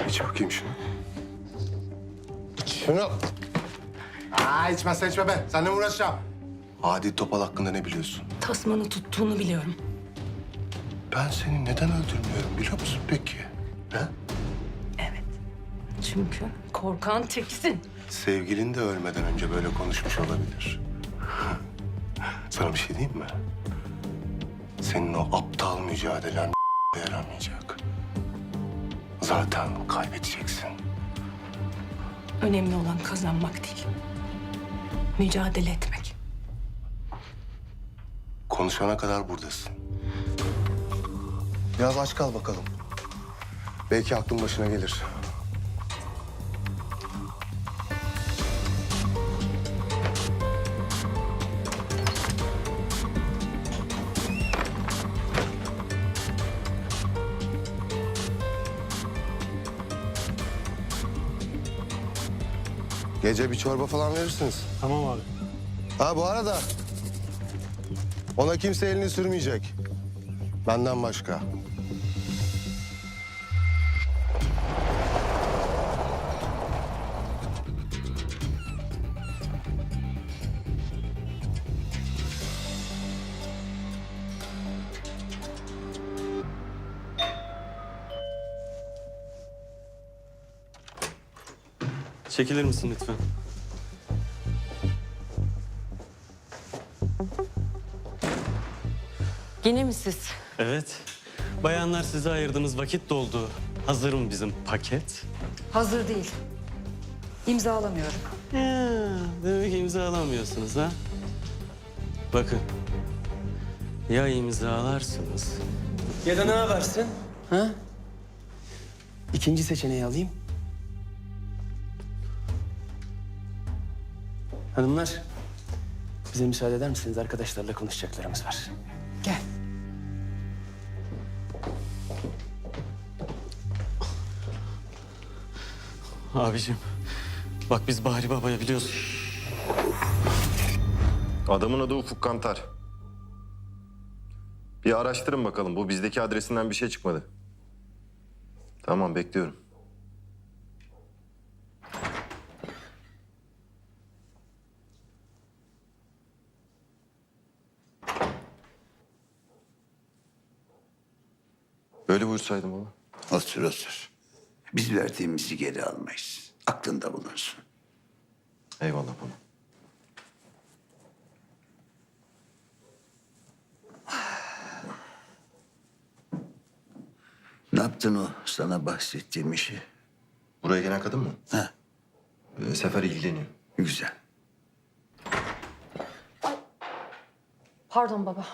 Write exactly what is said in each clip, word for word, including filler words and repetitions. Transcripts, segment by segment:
İç bakayım şunu. İç şunu. Aa, içmezsen içme be. Seninle mi uğraşacağım? Adi Topal hakkında ne biliyorsun? Tasmanı tuttuğunu biliyorum. Ben seni neden öldürmüyorum biliyor musun peki? He? Evet. Çünkü korkan teksin. Sevgilin de ölmeden önce böyle konuşmuş olabilir. Sana bir şey diyeyim mi? Senin o aptal mücadelen yaramayacak. Zaten kaybedeceksin. Önemli olan kazanmak değil. Mücadele etmek. Konuşana kadar buradasın. Biraz aç kal bakalım. Belki aklın başına gelir. Gece bir çorba falan verirsiniz. Tamam abi. Ha bu arada ona kimse elini sürmeyecek. Benden başka. Çekilir misin lütfen? Yine mi siz? Evet. Bayanlar size ayırdığımız vakit doldu. Hazır mı bizim paket? Hazır değil. İmzalamıyorum. Ya, demek imzalamıyorsunuz ha? Bakın. Ya imzalarsınız. Ya da ne yaparsın? Ha? İkinci seçeneği alayım. Hanımlar, bize müsaade eder misiniz? Arkadaşlarla konuşacaklarımız var. Gel. Abicim, bak biz Bahri Baba'ya biliyorsun. Adamın adı Ufuk Kantar. Bir araştırın bakalım. Bu bizdeki adresinden bir şey çıkmadı. Tamam, bekliyorum. Böyle buyursaydım ama. Otur otur. Biz verdiğimizi geri almayız. Aklında bulunsun. Eyvallah baba. Ne yaptın o sana bahsettiğim işi? Buraya gelen kadın mı? Ha, Ee, Sefer ilgileniyor. güzel. Pardon baba.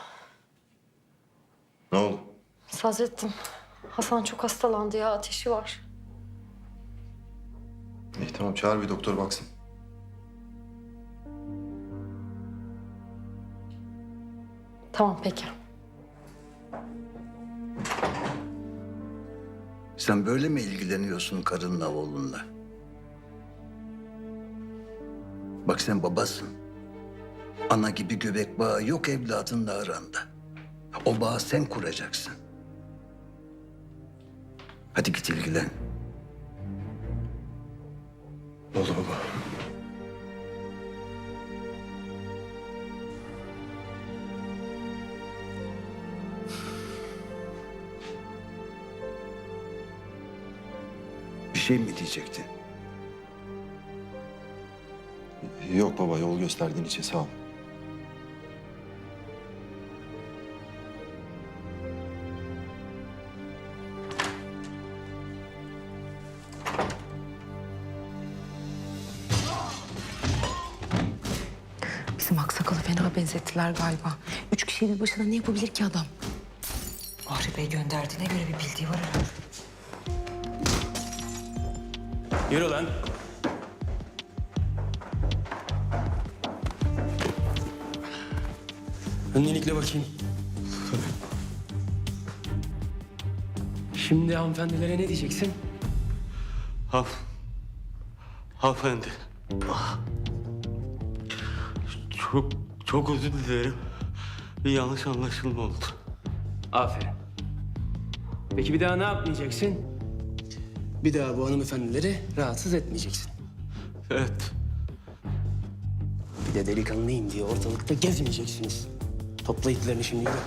Ne oldu? Sadrettin. Hasan çok hastalandı ya. Ateşi var. İyi tamam, çağır bir doktor baksın. Tamam peki. Sen böyle mi ilgileniyorsun karınla oğlunla? Bak sen babasın. Ana gibi göbek bağı yok evladınla aranda. O bağı sen kuracaksın. Hadi git ilgilen. Oldu baba. Bir şey mi diyecektin? Yok baba, yol gösterdiğin için sağ ol. Bizim aksakalı fena benzettiler galiba. Üç kişinin başına ne yapabilir ki adam? Bahri Bey gönderdiğine göre bir bildiği var herhalde. Yürü lan. Öncelikle bakayım. Şimdi hanımefendilere ne diyeceksin? Haf. Hanımefendi. Ah. Çok, çok özür dilerim. Bir yanlış anlaşılma oldu. Aferin. Peki bir daha ne yapmayacaksın? Bir daha bu hanımefendileri rahatsız etmeyeceksin. Evet. Bir de delikanlıyım diye ortalıkta gezmeyeceksiniz. Topla iplerini şimdi yürü.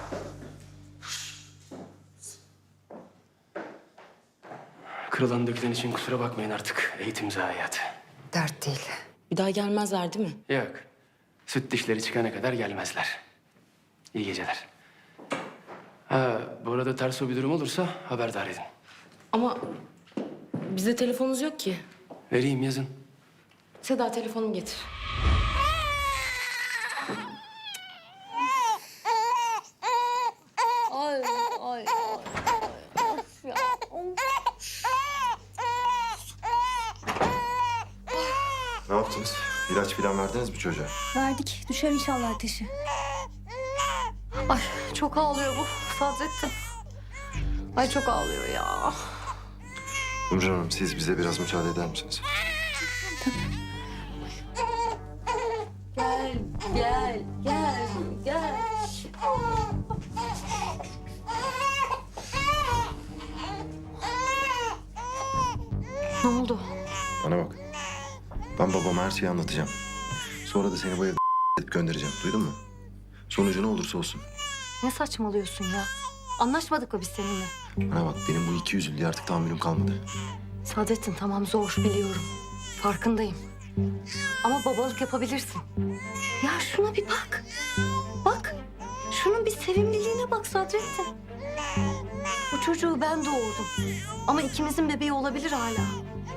Kırılan dökülen için kusura bakmayın artık. Eğitim zayiatı. Dert değil. Bir daha gelmezler değil mi? Yok. Süt dişleri çıkana kadar gelmezler. İyi geceler. Ha, bu arada ters o bir durum olursa haberdar edin. Ama bizde telefonunuz yok ki. Vereyim, yazın. Seda telefonumu getir. Ay ay. Ne yaptınız? İlaç falan verdiniz mi çocuğa? Verdik. Düşer inşallah ateşi. Ay çok ağlıyor bu Sadrettin. Ay çok ağlıyor ya. Ümran Hanım siz bize biraz müsaade eder misiniz? Gel gel gel gel. Ne oldu? Bana bak. Ben babama her şeyi anlatacağım. Sonra da seni bu evde göndereceğim. Duydun mu? Sonucu ne olursa olsun. Ne saçmalıyorsun ya? Anlaşmadık mı biz seninle? Bana bak benim bu iki yüzlülüğe artık tahammülüm kalmadı. Sadrettin tamam zor biliyorum. Farkındayım. Ama babalık yapabilirsin. Ya şuna bir bak. Bak. Şunun bir sevimliliğine bak Sadrettin. Bu çocuğu ben doğurdum. Ama ikimizin bebeği olabilir hala.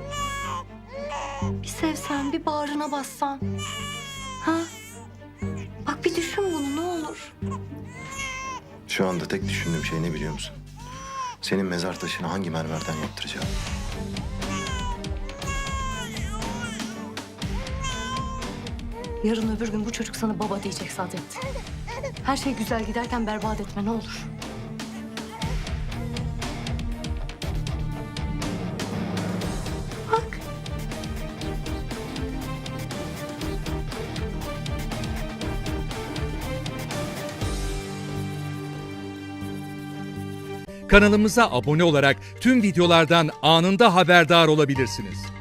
Bir sevsen, bir bağrına bassan. Ha? Bak bir düşün bunu ne olur. Şu anda tek düşündüğüm şey ne biliyor musun? Senin mezar taşını hangi mermerden yaptıracağım? Yarın öbür gün bu çocuk sana baba diyecek Sadrettin. Her şey güzel giderken berbat etme ne olur. Bak. Kanalımıza abone olarak tüm videolardan anında haberdar olabilirsiniz.